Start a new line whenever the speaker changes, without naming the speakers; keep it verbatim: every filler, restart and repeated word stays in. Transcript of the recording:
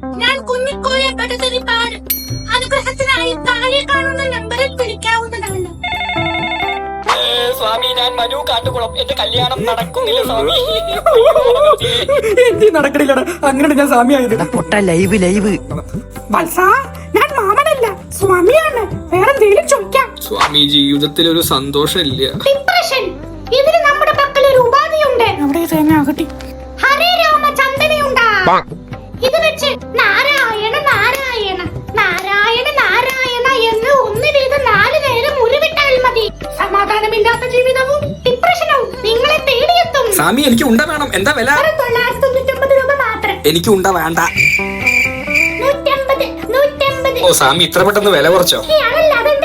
ഞാൻ കുഞ്ഞിക്കോയെ പടുതരിപ്പാട് അനുഗ്രഹത്തിനായി താഴെ കാണുന്ന നമ്പറിൽ വിളിക്കാവുന്നതാണ്.
സ്വാമി, ഞാൻ മനു കാട്ടുകുളം. എന്റെ കല്യാണം നടക്കുന്നില്ല സ്വാമി.
എന്തി നടക്കണില്ലടാ, അങ്ങനെ ഞാൻ സ്വാമിയായത്.
പൊട്ട ലൈവ് ലൈവ്.
വത്സ, ഞാൻ മാമനല്ല സ്വാമിയാണ്. വേറെന്തെങ്കിലും ചോദിക്കാം.
സ്വാമി, ജീവിതത്തിൽ ഒരു സന്തോഷമില്ല.
ഡിപ്രഷൻ, ഇതിന് നമ്മുടെ പക്കൽ ഒരു ഉപാധിയുണ്ട്.
അവിടെ തന്നെ ആകട്ടെ.
ഹരേ രാമ ചന്ദനയുണ്ടാ. ഇത് വെച്ച് നാരായണ നാരായണ നാരായണ നാരായണ എന്ന് ഒന്ന് വീതം നാല് നേരം ഉരുവിട്ടാൽ മതി. സമാധാനമില്ലാത്ത ജീവിതവും ഡിപ്രഷനും നിങ്ങളെ തേടിയെത്തും.
സ്വാമി, എനിക്ക് ഉണ്ട വേണം. എന്താ വില?
തൊള്ളായിരത്തി തൊണ്ണൂറ്റൊമ്പത് രൂപ മാത്രം.
എനിക്ക് ഉണ്ട വേണ്ട.
നൂറ്റമ്പത് നൂറ്റമ്പത്.
ഓ സ്വാമി, ഇത്ര പെട്ടെന്ന് വില കുറച്ചോ?
അതല്ല, അത്